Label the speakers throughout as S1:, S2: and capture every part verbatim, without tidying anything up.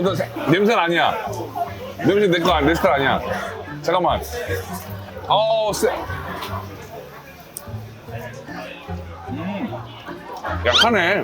S1: 어떤 새- 냄새는 아니야. 냄새 내 거, 내 스타일 아니야. 잠깐만. 어우, 쎄. 음. 약하네.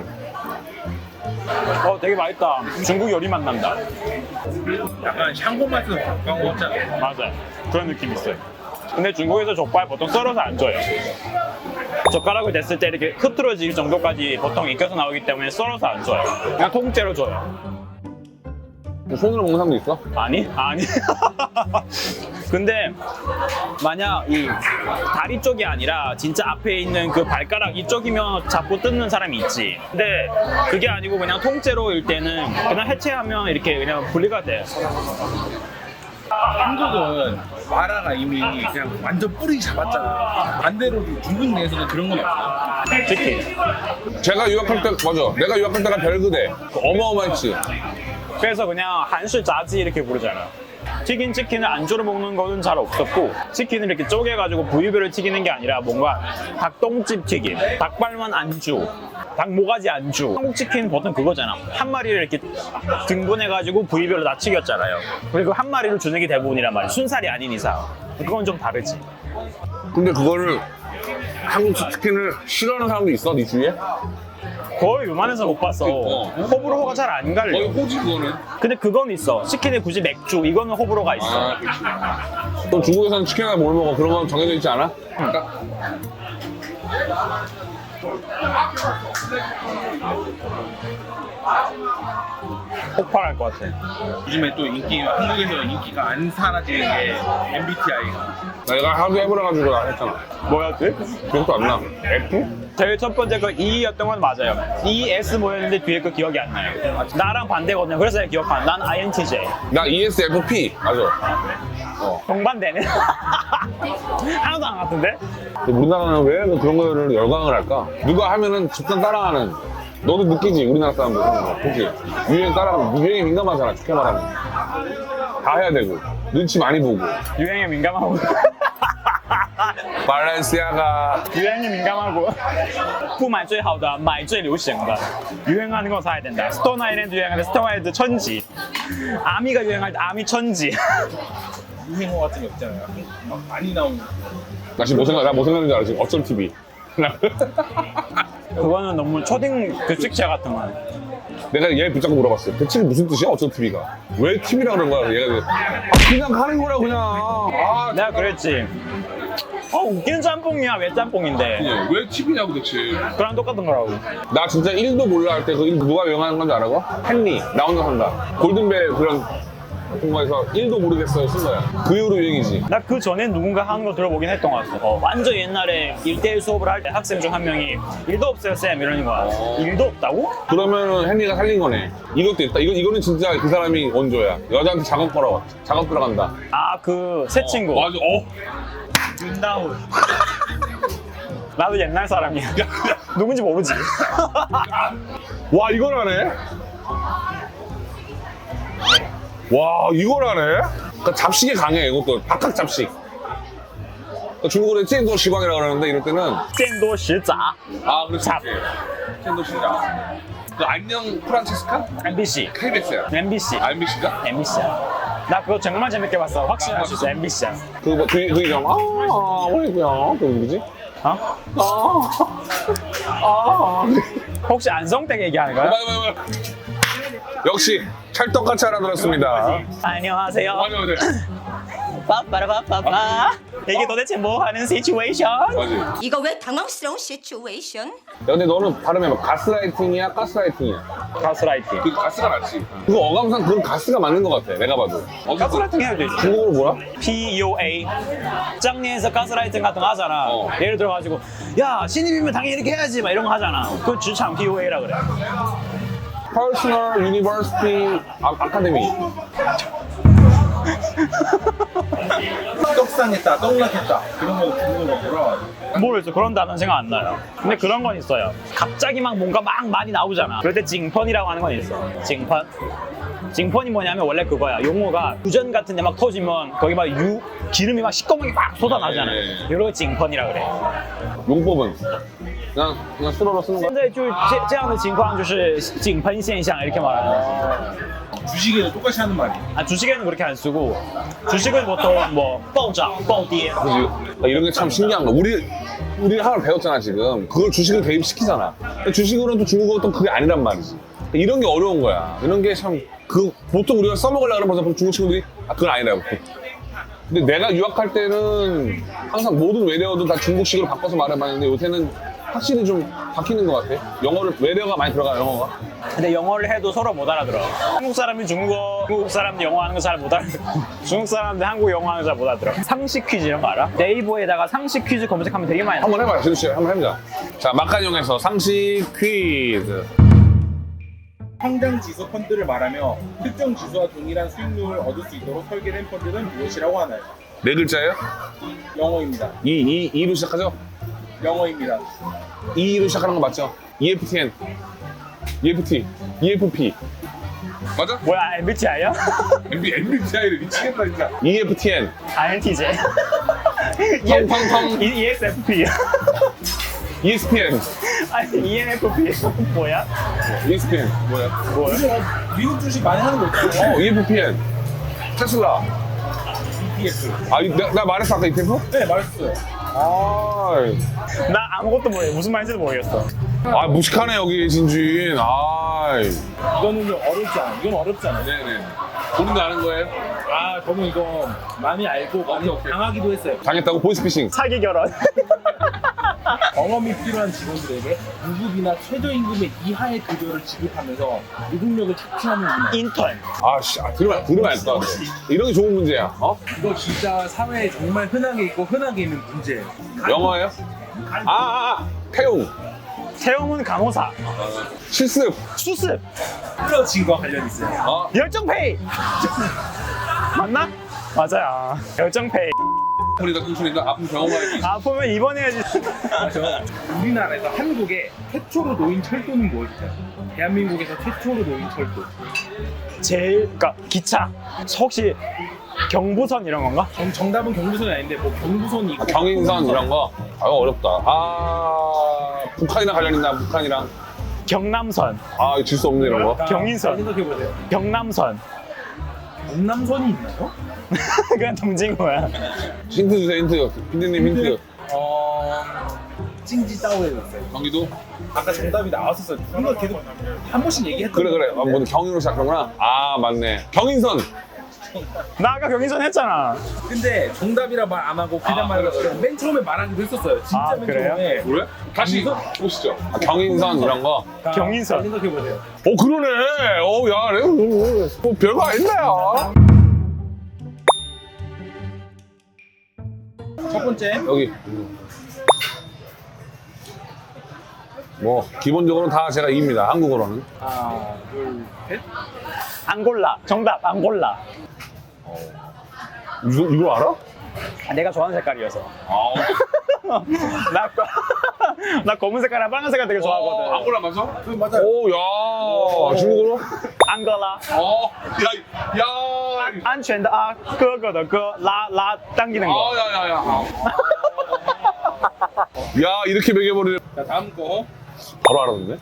S2: 어, 되게 맛있다. 중국 요리 맛 난다.
S3: 약간 샹궈 맛은 가까운 거 같잖아.
S2: 맞아요. 그런 느낌 있어요. 근데 중국에서 족발 보통 썰어서 안 줘요. 젓가락을 댔을 때 이렇게 흐트러질 정도까지 보통 익혀서 나오기 때문에 썰어서 안 줘요. 그냥 통째로 줘요.
S1: 손으로 먹는 사람도 있어?
S2: 아니? 아니. 근데 만약 이 다리 쪽이 아니라 진짜 앞에 있는 그 발가락 이쪽이면 잡고 뜯는 사람이 있지. 근데 그게 아니고 그냥 통째로일 때는 그냥 해체하면 이렇게 그냥 분리가 돼.
S3: 한국은 마라가 이미 그냥 완전 뿌리 잡았잖아. 반대로 중국 내에서는 그런 건 없어요.
S2: 치킨.
S1: 제가 유학할 때, 맞아. 내가 유학할 때가 별그대. 어마어마했지.
S2: 그래서 그냥 한식 자지 이렇게 부르잖아. 튀긴 치킨을 안주로 먹는 거는 잘 없었고 치킨을 이렇게 쪼개가지고 부위별로 튀기는 게 아니라 뭔가 닭똥집 튀김, 닭발만 안주, 닭모가지 안주. 한국 치킨 보통 그거잖아. 한 마리를 이렇게 등분해가지고 부위별로 다 튀겼잖아요. 그리고 한 마리를 주는 게 대부분이란 말이야. 순살이 아닌 이상. 그건 좀 다르지.
S1: 근데 그거를 한국 치킨을 싫어하는 사람도 있어, 네 주위에?
S2: 거의 요만해서 못 봤어.
S1: 어.
S2: 호불호가 잘 안 갈려.
S1: 거의 호지 그거는.
S2: 근데 그건 있어. 치킨에 굳이 맥주, 이거는 호불호가 있어.
S1: 아, 그치. 또 중국에서는 치킨이나 뭘 먹어? 그런 건 정해져 있지 않아? 그러니까
S2: 폭발할 것 같아.
S3: 요즘에 또 인기, 한국에서 인기가 안 사라지는 게 엠비티아이가.
S1: 내가 하도 해보라가지고 나 했잖아.
S2: 뭐였지?
S1: 기억도 안 나. F?
S2: 제일 첫 번째 그 E였던 건 맞아요. E, S 뭐였는데 뒤에 그 기억이 안 나요. 나랑 반대거든요. 그래서 내가 기억한. 난 아이엔티제이.
S1: 나 이에스에프피. 맞아. 어.
S2: 동반되네. 하나도 안 같은데?
S1: 근데 우리나라는 왜 그런 거를 열광을 할까? 누가 하면은 집단 따라하는. 너도 느끼지, 우리나라 사람들 그런 거. 그치? 유행 따라하면, 유행에 민감하잖아, 쉽게 말하면. 다 해야 되고, 눈치 많이 보고.
S2: 유행에 민감하고.
S1: 발렌시아가.
S2: 유행에 민감하고. 不买最好的买最流行的. 유행하는 거 사야 된다. 스톤 아일랜드 유행할 때 스톤 아일랜드 천지. 아미가 유행할 때 아미 천지.
S3: 유행어 같은 거 있잖아요. 막 많이 나오는.
S1: 나 지금 뭐 생각, 나뭐 생각하는지 알아, 지금. 어쩜 티비.
S2: 그거는 너무 초딩 급식체 같은 거.
S1: 내가 얘 붙잡고 물어봤어. 대체 무슨 뜻이야, 어쩜 티비가? 왜 티비라 그런 거야? 얘가 아, 그냥 가는 거라, 그냥. 아,
S2: 내가 그랬지. 어, 웃기는 짬뽕이야. 왜 짬뽕인데?
S1: 왜 티비냐고 대체.
S2: 그랑 똑같은 거라고.
S1: 나 진짜 일도 몰라 할 때 그 누가 유행하는 건지 알아? 헨리, 나 혼자 산다. 골든벨 그런 공부에서 일도 모르겠어요 쓴 거야. 그 이후로 유행이지.
S2: 나 그 전에 누군가 하는 거 들어보긴 했던 것 같아. 어, 완전 옛날에 일대일 수업을 할 때 학생 중 한 명이 일도 없어요 쌤 이러는 거야. 일도 없다고?
S1: 그러면은 헨리가 살린 거네. 이것도 있다. 이거, 이거는 진짜 그 사람이 원조야. 여자한테 작업 걸어. 작업 들어간다.
S2: 아 그 새 친구.
S1: 맞아. 어.
S3: 윤다운.
S2: 나도 옛날 사람이야. 누군지 모르지.
S1: 와, 이걸 하네? 와, 이걸 하네? 그러니까 잡식이 강해, 이것도. 박학 잡식. 그러니까 중국어로 찐도 시광이라고 그러는데 이럴 때는.
S2: 见多识杂.
S1: 아, 그렇지.
S2: 잡.
S1: 찐도 시광. 그 안녕 프란체스카?
S2: 엠비씨.
S1: 케이비에스야.
S2: 엠비씨.
S1: 아, 엠비씨가?
S2: 엠비씨야. 나 그거 정말 재밌게 봤어. 확신할 수 있어. 엠비씨야.
S1: 그거 뭐, 그, 그 이름, 아, 뭐이구야. 그거 누구지?
S2: 어?
S1: 아, 아.
S2: 혹시 안성댁 얘기하는 거야?
S1: 맞아, 맞아, 맞아. 역시 찰떡같이 알아들었습니다.
S2: 안녕하세요.
S1: 맞아, 맞아.
S2: 빠빠라빠빠빠. 이게 도대체 뭐 하는 시츄에이션?
S1: 맞아.
S4: 이거 왜 당황스러운 시츄에이션?
S1: 야, 근데 너는 발음해 봐. 가스라이팅이야, 가스라이팅이야.
S2: 가스라이팅.
S1: 그 가스가 맞지. 그거 어감상 그건 가스가 맞는 것 같아. 내가 봐도.
S2: 가스라이팅 해야 되지.
S1: 중국어로 뭐야?
S2: 피 오 에이. 짱리에서 가스라이팅 같은 거 하잖아.
S1: 어.
S2: 예를 들어가지고 야 신입이면 당연히 이렇게 해야지 막 이런 거 하잖아. 그 주창 피 오 에이라 그래.
S1: Personal University Academy.
S3: 떡상했다, 떡락했다. 그런 거 중국어로 뭐라.
S2: 모르겠어. 그런 단어는 생각 안 나요. 근데 그런 건 있어요. 갑자기 막 뭔가 막 많이 나오잖아. 그럴 때 징펀이라고 하는 건 있어. 징펀. 징펀이 뭐냐면 원래 그거야. 용어가 구전 같은 데 막 터지면 거기 막 유, 기름이 막 시꺼멓게 막 쏟아나잖아.
S1: 네.
S2: 이런 거 징펀이라 그래.
S1: 용법은 그냥 그냥 수로로 쓰는
S2: 现
S1: 거야.
S2: 在就是这这样的情况就是井喷现象이렇게 말하는 거지.
S3: 주식에는 똑같이 하는 말이에요.
S2: 아, 주식에는 그렇게 안 쓰고 주식은 보통 뭐暴涨, 暴跌.
S1: 그지? 그러니까 이런 게 참 신기한 거. 우리 우리 하나 배웠잖아 지금. 그걸 주식을 대입시키잖아. 근데 주식으로는 또 중국어는 또 그게 아니란 말이지. 그러니까 이런 게 어려운 거야. 이런 게 참 그 보통 우리가 써먹으려고 그러면 벌써 중국 친구들이 아 그건 아니라고. 근데 내가 유학할 때는 항상 모든 외래어도 다 중국식으로 바꿔서 말해봤는데 요새는 확실히 좀 바뀌는 것 같아. 영어를 외래어가 많이 들어가 영어가.
S2: 근데 영어를 해도 서로 못 알아들어. 한국 사람이 중국어, 중국 사람이 영어 하는 거 잘 못 알아들어. 중국 사람들 한국 영어 하는 거 잘 못 알아들어. 상식 퀴즈 이런 거 알아? 네이버에다가 상식 퀴즈 검색하면 되게 많이 나와.
S1: 한번 해봐요, 진우 씨. 한번 해보자. 자, 막간용에서 상식 퀴즈.
S3: 상장 지수 펀드를 말하며 특정 지수와 동일한 수익률을 얻을 수 있도록 설계된 펀드는 무엇이라고 하나요?
S1: 네 글자예요?
S3: 영어입니다.
S1: 이, 이, 이로 시작하죠?
S3: 영어입니다.
S1: 이로 시작하는 거 맞죠? 이에프티엔, 이에프티, 이에프피. 맞아?
S2: 뭐야, 엠비티아이야?
S1: 엠비, 엠비티아이를 미치겠다, 진짜. 이에프티엔,
S2: 아이엔티제.
S1: 텅텅텅,
S2: 이에스에프피.
S1: 이에스피엔,
S2: 아니, 이엔에프피. 뭐야?
S1: 이에스피엔, 뭐야?
S2: 뭐야?
S3: 요즘 어, 미국 주식 많이 하는 거 있잖아요.
S1: 어, 이에프피엔, 테슬라.
S3: 이티에프.
S1: 아, 이- 나, 나 말했어, 아까 이테프?
S3: 네, 말했어요.
S1: 아,
S2: 나 아무것도 모르겠어. 무슨 말인지도 모르겠어.
S1: 아, 무식하네, 여기, 진주인. 아,
S3: 이거는 좀 어렵지 않아. 이건 어렵지 않아.
S1: 네네. 본인도 아는 거예요?
S3: 아, 저는 이거 많이 알고 많이
S1: 오케이.
S3: 당하기도 했어요.
S1: 당했다고? 보이스피싱.
S2: 사기 결혼.
S3: 경험이 필요한 직원들에게 무급이나 최저임금의 이하의 급여를 지급하면서 노동력을 착취하는 문화.
S2: 인턴.
S1: 아, 씨, 아, 들으면, 들으면 알 것 같아. 이런 게 좋은 문제야, 어?
S3: 이거 진짜 사회에 정말 흔하게 있고 흔하게 있는 문제예요.
S1: 영어예요? 아, 아, 아, 태용,
S2: 채용은 간호사.
S1: 실습.
S2: 수습.
S3: 끌어진 거 관련 있어요.
S1: 어?
S2: 열정페이. 맞나? 맞아요. 열정페이.
S1: 소리가 뚱소리가 아픈 경험하기.
S2: 아프면 입원해야지.
S3: 맞아. 우리나라에서 한국에 최초로 놓인 철도는 무엇일까요? 대한민국에서 최초로 놓인 철도.
S2: 제일, 그러니까 기차. 혹시 경부선 이런 건가?
S3: 정, 정답은 경부선이 아닌데 뭐 경부선이 있고
S1: 경인선 이런 거. 아, 어렵다. 아, 북한이랑 관련 있나, 북한이랑.
S2: 경남선,
S1: 아, 질 수 없네, 이런 거.
S2: 경인선.
S3: 생각해보세요.
S2: 경남선.
S3: 경남선이 있나요?
S2: 그냥 동진거야.
S1: 힌트 주세요, 힌트. 피디님 힌트.
S3: 어... 찡지따오에 있어요.
S1: 경기도?
S3: 아까 정답이 나왔었어요. 이거 계속 한 번씩 얘기했던
S1: 그래, 그래.
S3: 것
S1: 아,
S3: 같은데.
S1: 뭐 경인으로 시작하는구나. 아, 맞네. 경인선.
S2: 나 아까 경인선 했잖아.
S3: 근데 정답이라 말 안 하고 그냥
S1: 아,
S3: 말을
S1: 그래, 그래.
S3: 맨 처음에 말하기도 했었어요. 진짜
S2: 아,
S3: 맨
S2: 그래요?
S3: 처음에.
S1: 그래? 다시 보시죠. 아, 경인선 이런 거.
S3: 자,
S2: 경인선.
S3: 잘 생각해보세요.
S1: 어, 그러네. 어, 야, 내가 뭐, 뭐 별거 아닌데요.
S3: 첫 번째.
S1: 여기. 뭐, 기본적으로 다 제가 이깁니다. 한국어로는.
S3: 하나, 둘, 셋.
S2: 앙골라. 정답, 앙골라.
S1: 이거, 이거 알아?
S2: 아, 내가 좋아하는 색깔이어서.
S1: 아,
S2: 나, 나 검은 색깔이랑 빨간 색깔 되게 좋아하거든.
S1: 앙골라 맞아?
S3: 그 맞아요.
S1: 오, 야, 중국어로?
S2: 앙골라.
S1: 어, 야, 야.
S2: 安全的啊，哥哥的哥，拉拉 당기는 거.
S1: 아, 야, 야, 야. 야, 이렇게 매겨버리네.
S3: 자, 다음 거.
S1: 바로 알았는데?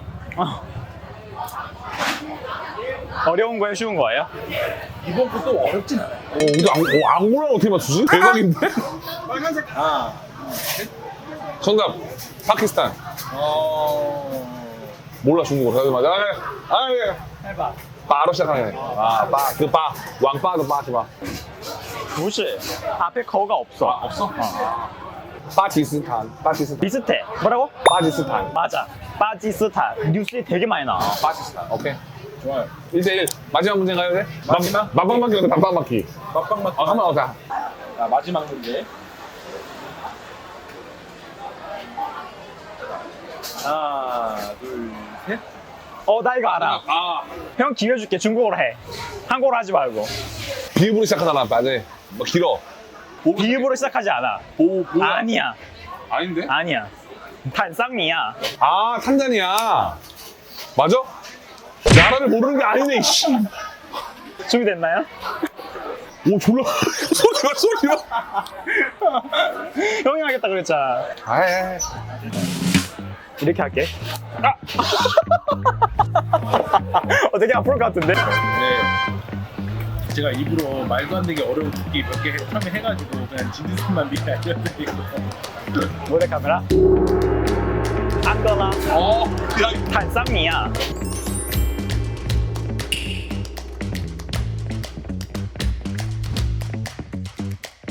S2: 어려운 거에 쉬운 거예요?
S3: 이번 것도 어렵진 않아요.
S1: 어, 근데 앙, 어, 앙골라 어떻게 맞추지? 대박인데?
S3: 빨간색. 하나.
S1: 정답, 파키스탄.
S3: 어.
S1: 몰라, 중국어. 맞아. 아, 아, 예.
S2: 해봐.
S1: 바로 시작하네. 아, 바, 그 바, 왕바도 바지 바.
S2: 不是 앞에 거가 없어.
S1: 없어? 파키스탄, 파키스탄.
S2: 비슷해. 뭐라고?
S1: 파키스탄.
S2: 맞아. 바지스탄. 뉴스에 되게 많이 나와.
S1: 파키스탄. 오케이.
S3: 좋아요.
S1: 일 대일. 마지막 문제 가야 돼?
S3: 마지막?
S1: 맛방 맞기 어때? 맛방 맞기.
S3: 막방 맞기.
S1: 어, 한번 하자.
S3: 자, 마지막 문제. 하나, 둘, 셋.
S2: 어, 나 이거 알아.
S1: 아,
S2: 형 기회 줄게. 중국어로 해. 한국어로 하지 말고.
S1: 비읍으로 시작하잖아, 빠지. 뭐 길어.
S2: 비읍으로 시작하지 않아.
S1: 오, 뭐야?
S2: 아니야.
S1: 아닌데?
S2: 아니야. 탄상니야.
S1: 아, 탄자니아. 맞아? 나라를 모르는 게 아니네, 씨.
S2: 준비됐나요?
S1: 오, 졸라. 소리가, 소리가.
S2: 형이 하겠다 그랬잖아.
S1: 아이.
S2: 이렇게 할게. 아! 어, 되게 아플 것 같은데?
S3: 네. 제가 일부러 말도 안 되게 어려운 국기 몇 개 처음에 해가지고 그냥 진주선만 미리 알려드리고.
S2: 모델 카메라. 안거나.
S1: 어, 야,
S2: 坦桑尼亚